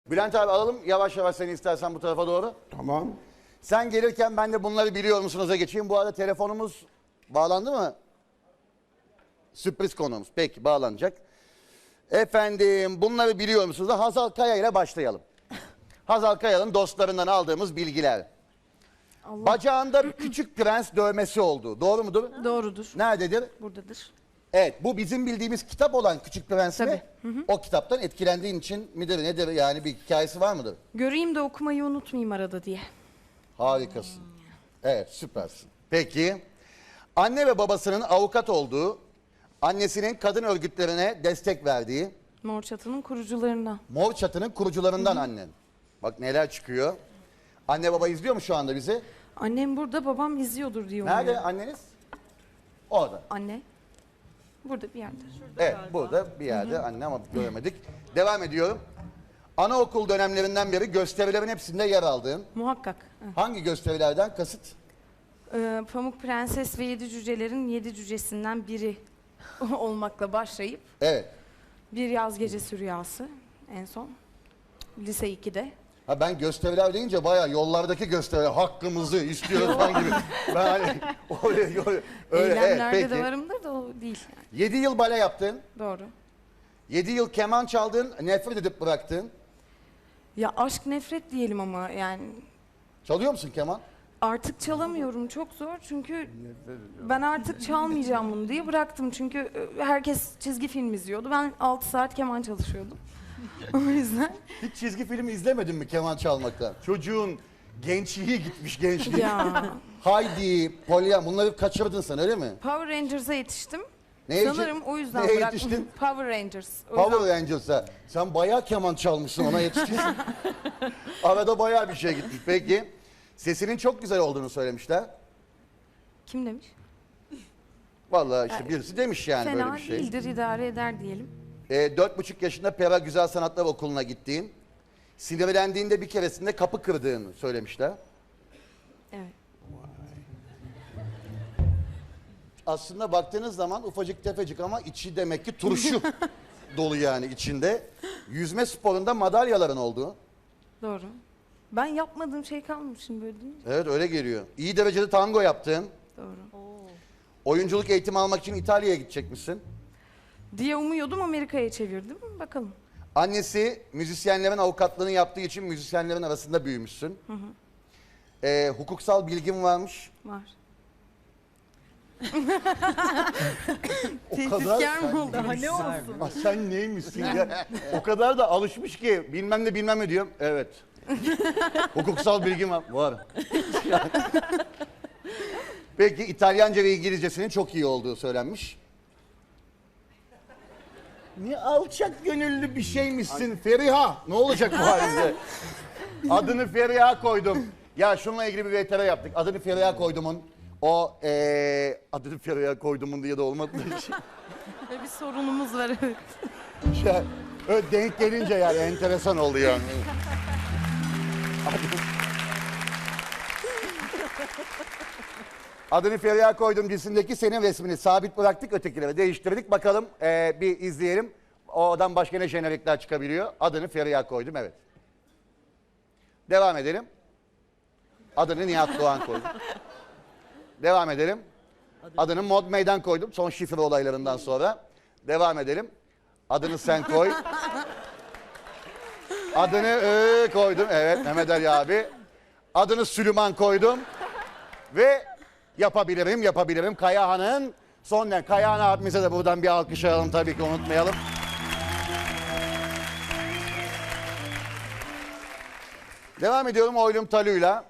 Bülent abi alalım yavaş yavaş seni istersen bu tarafa doğru. Tamam. Sen gelirken ben de bunları biliyor musunuz'a geçeyim. Bu arada telefonumuz bağlandı mı? Sürpriz konuğumuz. Peki bağlanacak. Efendim bunları biliyor musunuz? Hazal Kaya ile başlayalım. Hazal Kaya'nın dostlarından aldığımız bilgiler. Bacağında bir küçük prens dövmesi oldu. Doğru mudur? Doğrudur. Nerededir? Buradadır. Evet, bu bizim bildiğimiz kitap olan Küçük Prens mi? Tabii. O kitaptan etkilendiğin için midir nedir yani bir hikayesi var mıdır? Göreyim de okumayı unutmayayım arada diye. Harikasın. Evet, süpersin. Peki, anne ve babasının avukat olduğu, annesinin kadın örgütlerine destek verdiği, Mor Çatı'nın kurucularından. Mor Çatı'nın kurucularından annen. Bak neler çıkıyor. Anne baba izliyor mu şu anda bizi? Annem burada, babam izliyordur diye Nerede umuyorum. anneniz? Orada. Anne. Burada bir yerde. Evet, burada bir yerde anne ama göremedik. Devam ediyorum. Anaokul dönemlerinden beri gösterilerin hepsinde yer aldığın, Muhakkak. hangi gösterilerden kasıt? Pamuk Prenses ve Yedi Cücelerin 7 cücesinden biri olmakla başlayıp Evet. Bir Yaz Gecesi Rüyası en son. Lise 2'de. Ha ben gösteriler deyince bayağı yollardaki gösteriler hakkımızı istiyoruz falan gibi. Ben hani öyle Eylemlerde evet, de peki. varımdır da o değil. 7 yıl bale yaptın. Doğru. 7 yıl keman çaldın, nefret edip bıraktın. Ya aşk nefret diyelim ama yani Çalıyor musun keman? artık çalamıyorum, çok zor çünkü ben artık çalmayacağım bunu diye bıraktım çünkü herkes çizgi film izliyordu, ben 6 saat keman çalışıyordum. O yüzden Hiç çizgi film izlemedin mi keman çalmaktan? Çocuğun gençliği gitmiş gençliği. ya Haydi, Polya bunları kaçırdın sen öyle mi? Power Rangers'a yetiştim. Neye Sanırım o yüzden neye bıraktım. yetiştin? Power Rangers. O yüzden- Power Rangers'a. Sen bayağı keman çalmışsın ona yetişmişsin. Arada bayağı bir şey gitmiş. Peki sesinin çok güzel olduğunu söylemişler. Kim demiş? Vallahi işte birisi demiş yani Fena böyle bir şey. değildir, idare eder diyelim. 4,5 yaşında Pera Güzel Sanatlar Okulu'na gittiğin, sinirlendiğinde bir keresinde kapı kırdığını söylemişler. Evet. Aslında baktığınız zaman ufacık tefecik ama içi demek ki turşu dolu yani içinde. Yüzme sporunda madalyaların olduğu. Doğru. Ben yapmadığım şey kalmamışım böyle değil mi? Evet öyle geliyor. İyi derecede tango yaptın. Doğru. Oyunculuk eğitimi almak için İtalya'ya gidecekmişsin. Diye umuyordum, Amerika'ya çevirdim. Bakalım. Annesi müzisyenlerin avukatlığını yaptığı için müzisyenlerin arasında büyümüşsün. Hukuksal bilgin varmış. Var. O kadar Tehditkar mı oldu? Daha ne olsun? Ah, sen neymişsin ya? O kadar da alışmış ki bilmem ne bilmem ne diyorum. Evet. Hukuksal bilgim var. Var. Peki İtalyanca ve İngilizcesinin çok iyi olduğu söylenmiş. Ne alçak gönüllü bir şeymişsin Feriha. Ne olacak bu halinde? Adını Feriha koydum. Ya şununla ilgili bir VTR yaptık. Adını Feriha koydumun. Adını Feriha koydumun diye de olmadı. Böyle bir sorunumuz var. Evet. Ya, öyle denk gelince yani enteresan oldu yani. Adını Feriha koydum dizisindeki senin resmini sabit bıraktık, ötekilere değiştirdik. Bakalım bir izleyelim. Oradan başka ne jenerikler çıkabiliyor. Adını Feriha koydum, evet. Devam edelim. Adını Nihat Doğan koydum. Devam edelim. Adını Mod Meydan koydum son şifre olaylarından sonra. Devam edelim. Adını sen koy. Adını koydum. Evet Mehmet Ali abi. Adını Süleyman koydum. Ve yapabilirim. Kayahan'ın son ne? Kayahan abimize de buradan bir alkış alalım tabii ki unutmayalım. Devam ediyorum Oylum Talu'yla.